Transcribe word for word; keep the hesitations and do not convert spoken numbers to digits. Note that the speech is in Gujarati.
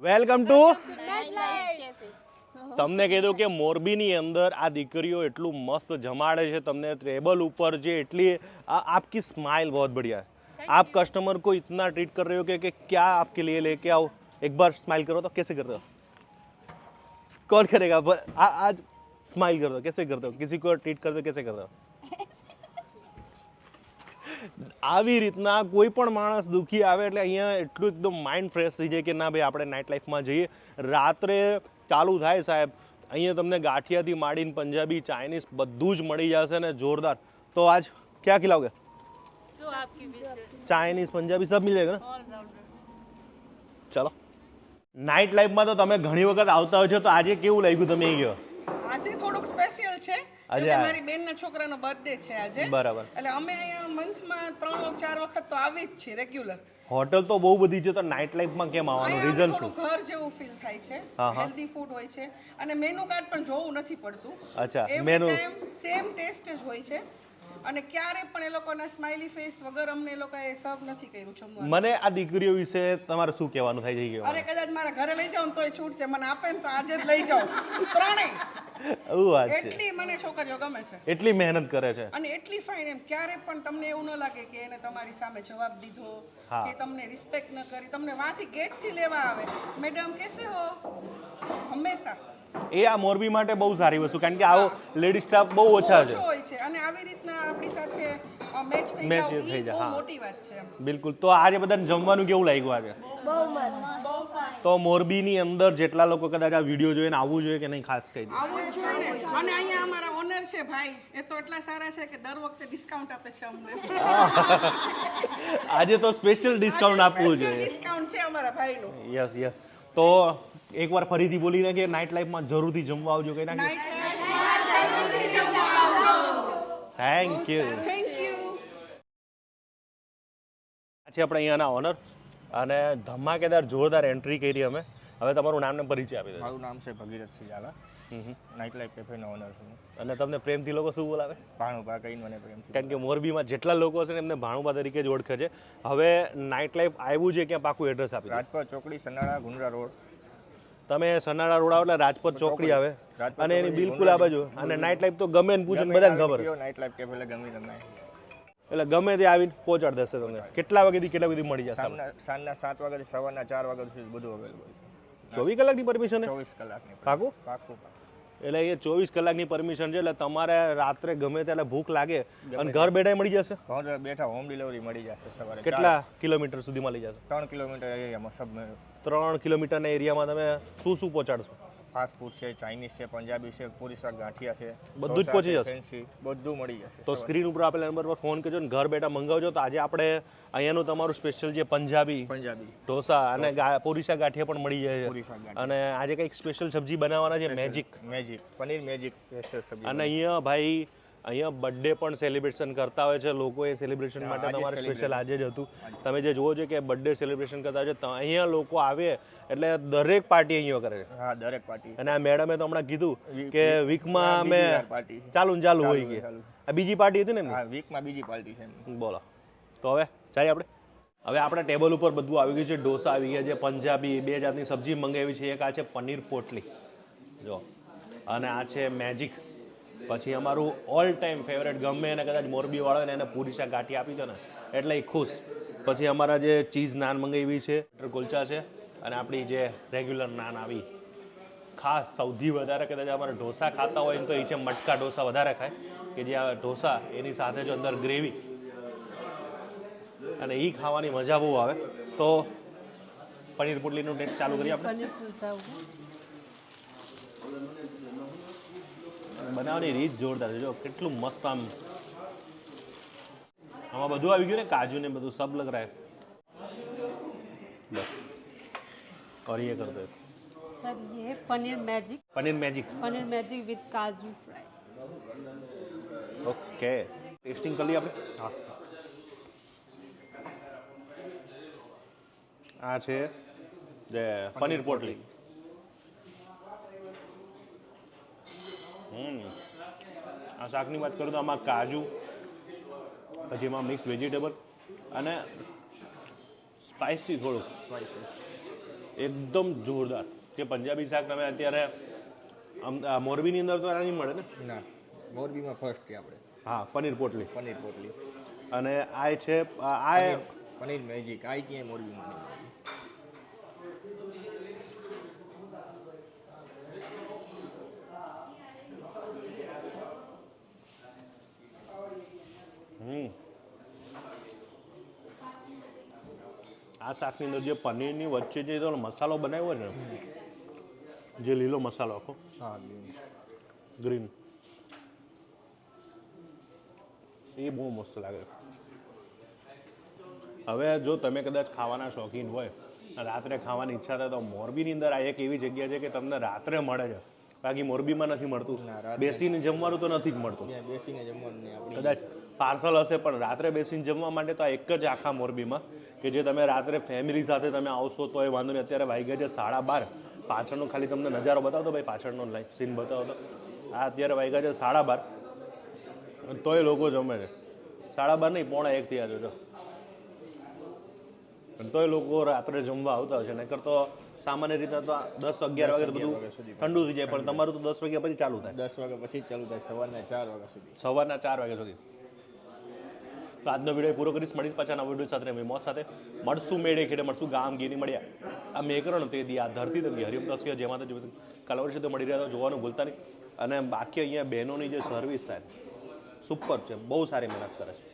વેલકમ ટુ તમને કીધું કે મોરબીની અંદર આ દીકરીઓ એટલું મસ્ત જમાડે છે તમને ટેબલ ઉપર જે એટલી आपकी स्माइल बहुत बढ़िया है आप कस्टमर को इतना ट्रीट कर रहे हो कि, कि क्या आपके लिए लेके आओ एक बार स्माइल करो तो कैसे करते हो कौन करेगा आ, आज स्माइल कर दो कैसे करते हो किसी को ट्रीट कर दो कैसे करते हो આવી રીતના કોઈ પણ માણસ દુઃખી આવે એટલે અહીંયા એટલું એકદમ માઇન્ડ ફ્રેશ થઈ જાય કે ના ભાઈ આપણે નાઇટ લાઈફમાં જઈએ રાત્રે ચાલુ થાય સાહેબ અહીંયા તમને ગાંઠિયાથી માંડીને પંજાબી ચાઇનીઝ બધું જ મળી જશે ને જોરદાર તો આજ ક્યાં ખિલાઓગે जो आपकी विश है ચાઇનીઝ પંજાબી સબ મિલ જાયગા ના ચલો નાઇટ લાઈફમાં તો તમે ઘણી વખત આવતા હોય છો તો આજે કેવું લાગ્યું તમે અહીં ગયો આજે થોડુંક સ્પેશિયલ છે આજે આજે મારી બેનના છોકરાનો બર્થડે છે આજે બરાબર એટલે અમે અહીંયા મંથમાં ત્રણ ચાર વખત તો આવી જ છીએ રેગ્યુલર હોટલ તો બહુ બધી છે તો નાઇટ લાઈફમાં કેમ આવવાનું રીઝન શું ઘર જેવું ફીલ થાય છે હા, હા. હેલ્ધી ફૂડ હોય છે અને મેનુ કાર્ડ પણ જોવું નથી પડતું અચ્છા every menu time same taste જ હોય છે અને ક્યારે પણ એ લોકોના સ્માઇલી ફેસ વગર અમને એ લોકોએ સર્વ નથી કર્યું જમવાનું મને આ દીકરીઓ વિશે તમારે શું કહેવાનું થાય છે અરે કદાચ મારા ઘરે લઈ જાઉં તોય છૂટ છે મને આપે ને તો આજે જ લઈ જાઉં ત્રણેય એવું વાત છે એટલી મને છોકરીઓ ગમે છે એટલી મહેનત કરે છે અને એટલી ફાઇન એમ ક્યારે પણ તમને એવું ન લાગે કે એને તમારી સામે જવાબ દીધો હા. કે તમને રિસ્પેક્ટ ન કરી તમને વાંથી ગેટથી લેવા આવે મેડમ કેસે હો હંમેશા એ આ મોરબી માટે બહુ સારી વસ્તુ કારણ કે આવો લેડી સ્ટાફ બહુ ઓછા છે ઓછો હોય છે અને આવી રીતના આપણી સાથે મેચ થઈ Match જાવ થઈ ઈ જાય, બહુ હા. મોટી વાત છે એમ બિલકુલ તો આજે બધાને જમવાનું કેવું લાગ્યું આજે તો મોરબીની અંદર જેટલા લોકો કદાચ આ વિડીયો જોઈને આવવું જોઈએ કે નહીં ખાસ કહી દો આવું જ જોઈએ ને અને અહીંયા અમારા ઓનર છે ભાઈ એ તો એટલા સારા છે કે દર વખતે ડિસ્કાઉન્ટ આપે છે અમને આજે તો સ્પેશિયલ ડિસ્કાઉન્ટ આપવું જોઈએ ડિસ્કાઉન્ટ છે અમારા ભાઈનું યસ યસ તો એકવાર ફરીથી બોલીને કે નાઇટ લાઈફમાં જરૂરથી જમવા આવજો કઈ નાખી નાઇટ લાઈફમાં જરૂરથી જમવા આવજો થેન્ક યુ થેન્ક યુ છે આપણે અહીંયાના ઓનર અને ધમાકેદાર જોરદાર એન્ટ્રી કરી અમે હવે તમારું નામ ને પરિચય આપી દો મારું નામ છે ભગીરથસિંહ ઝાલા નાઇટ લાઈફ કેફેનો ઓનર છું અને તમને પ્રેમથી લોકો શું બોલાવે ભાણુભા કહીને મને પ્રેમથી કારણ કે મોરબીમાં જેટલા લોકો છે ને એમને ભાણુબા તરીકે જ ઓળખે છે હવે નાઇટ લાઈફ આવ્યું છે ક્યાં પાકું એડ્રેસ આપી દો રાજપથ ચોકડી સનાળા ગુંડરા રોડ તમે સનાળા રોડ આવો એટલે રાજપથ ચોકડી આવે રાજપથ અને એની ચોકડી, બિલકુલ આ બાજુ અને નાઇટ લાઈફ તો ગમે ને પૂછે ને બધાને ખબર છે નાઇટ લાઈફ કેફે એટલે ગમે તમે એટલે ગમે તે આવીને પહોંચાડી દેશે તમને કેટલા વાગ્યાથી કેટલા સુધી મળી જશે સાંજના સાંજના સાત વાગ્યાથી સવારના ચાર વાગ્યા સુધી બધું અવેલેબલ ચોવીસ કલાકની પરમિશન છે ચોવીસ કલાકની પાકું પાકું એટલે એ ચોવીસ કલાકની પરમિશન છે એટલે તમારે રાત્રે ગમે ત્યારે ભૂખ લાગે અને ઘર બેઠા મળી જશે ઘર બેઠા હોમ ડિલિવરી મળી જશે સવારે કેટલા કિલોમીટર સુધી મળી જશે ત્રણ કિલોમીટર એરિયામાં સબ ત્રણ કિલોમીટરના એરિયામાં તમે શું શું પહોંચાડશો ફાસ્ટ ફૂડ છે ચાઇનીઝ છે પંજાબી છે પૂરી શાક ગાંઠિયા છે બધું જ ઢોસા પહોંચી છે, જશે? ફેન્સી બધું મળી જશે તો સ્ક્રીન ઉપર આપેલા નંબર પર ફોન કરજો ને ઘર બેઠા મંગાવજો તો આજે આપણે અહીંયાનું તમારું સ્પેશિયલ જે પંજાબી પંજાબી ઢોસા અને ગા- પૂરીસા ગાંઠિયા પણ મળી જાય પૂરી છે શાક ગાંઠિયા અને આજે કંઈક સ્પેશિયલ સબ્જી બનાવવાના છે magic magic paneer magic special સબ્જી અને અહીંયા ભાઈ અહીંયા બર્થડે પણ સેલિબ્રેશન કરતા હોય છે લોકો એ સેલિબ્રેશન હા, માટે આજે તમારે સ્પેશિયલ આજે જ હતું આજે. તમે જે જુઓ છો કે બર્થડે સેલિબ્રેશન કરતા હોય છે તો અહીંયા લોકો આવે એટલે દરેક પાર્ટી અહીંયા કરે છે હા દરેક પાર્ટી અને આ મેડમે તો હમણાં કીધું વીક- કે વીક- વીકમાં હા, અમે બીજી વાર પાર્ટી. ચાલુ ને ચાલુ હોય ચાલુ, કે ચાલુ. આ બીજી પાર્ટી હતી ને એમની? હા વીકમાં બીજી પાર્ટી છે એમની. બોલો તો હવે જઈએ આપણે હવે આપણા ટેબલ ઉપર બધું આવી ગયું છે ઢોસા આવી ગયા છે પંજાબી બે જાતની સબ્જી મંગાવી છે એક આ છે પનીર પોટલી જો અને આ છે મેજિક પછી અમારું ઓલ ટાઈમ ફેવરેટ ગમે એને કદાચ મોરબી વાળો ને એને પૂરી શાક ગાંઠી આપી દો ને એટલે એ ખુશ પછી અમારા જે ચીઝ નાન મંગાવી છે બટર કુલચા છે અને આપણી જે રેગ્યુલર નાન આવી ખાસ સૌથી વધારે કદાચ અમારે ઢોસા ખાતા હોય ને તો એ છે મટકા ઢોસા વધારે ખાય કે જે આ ઢોસા એની સાથે જો અંદર ગ્રેવી અને એ ખાવાની મજા બહુ આવે તો પનીર પોટલીનું ટેસ્ટ ચાલુ કરીએ આપણે पनीर कुलचा होगा બનાવવાની રીત જોરદાર છે જો કેટલું મસ્ત આમ આમાં બધું આવી ગયું ને કાજુ ને બધું સબ લગ રહા है બસ और ये कर दो सर ये है paneer magic paneer magic paneer magic with kaju fry okay tasting कर लिया આપણે હા આ છે જે પનીર પોટલી હમ આ શાકની વાત કરું તો આમાં કાજુ પછી એમાં મિક્સ વેજીટેબલ અને સ્પાઇસી થોડુંક સ્પાઇસી એકદમ જોરદાર કે પંજાબી શાક તમે અત્યારે આમ આ મોરબીની અંદર તો આ નહીં મળે ને. ના મોરબીમાં ફર્સ્ટ છે આપણે હા પનીર પોટલી પનીર પોટલી અને આ છે આ આ એ- પનીર મેજિક આ ક્યાંય મોરબીમાં નહીં મળે. હમ આ શાકની અંદર જે પનીરની વચ્ચે જે તો મસાલો બનાવ્યો ને જે લીલો મસાલો આખો હા ગ્રીન એ બહુ મસ્ત લાગે. હવે જો તમે કદાચ ખાવાના શોખીન હોય રાત્રે ખાવાની ઈચ્છા થાય તો મોરબીની અંદર આ એક એવી જગ્યા છે કે તમને રાત્રે મળે છે, બાકી મોરબીમાં નથી મળતું. ના, રાત્રે- બેસીને જમવાનું તો નથી જ મળતું. ત્યાં બેસીને જમવાનું ને આપણી કદાચ પાર્સલ હશે પણ રાત્રે બેસીને જમવા માટે તો આ એક જ આખા મોરબીમાં કે જે તમે રાત્રે ફેમિલી સાથે તમે આવશો તો એ વાંધો નહીં. અત્યારે વાગ્યા છે સાડા બાર. પાછળનો ખાલી તમને નજારો બતાવતો ભાઈ, પાછળનો લાઈફ સીન બતાવતો. આ અત્યારે વાગ્યા છે સાડા બાર તોય લોકો જમે છે. સાડા બાર નહીં પોણા એક થયા છે જો, તોય લોકો રાત્રે જમવા આવતા હશે. નહીતર તો સામાન્ય રીતે તો દસ અગિયાર વાગે તો બધું વાગ્યા સુધી ઠંડુ થઈ જાય, પણ તમારું તો દસ વાગ્યા પછી ચાલુ થાય, દસ વાગ્યા પછી જ ચાલુ થાય સવારના ચાર વાગ્યા સુધી. સવારના ચાર વાગ્યા સુધી. તો આજનો વિડીયો પૂરો કરીશ. મળીશ પાછા નવા વિડીયો સાથે મોત સાથે. મળશું મેળે ખેડે મળશું ગામ ગીરી મળ્યા આ મેકરણ તે દી આ ધરતી તંગી હરિયમ તસ્ય જેમાં તો કલવર છે તો મળી રહ્યા તો જોવાનું ભૂલતા નહીં. અને બાકી અહીંયા બહેનોની જે સર્વિસ છે સુપર છે, બહુ સારી મહેનત કરે છે.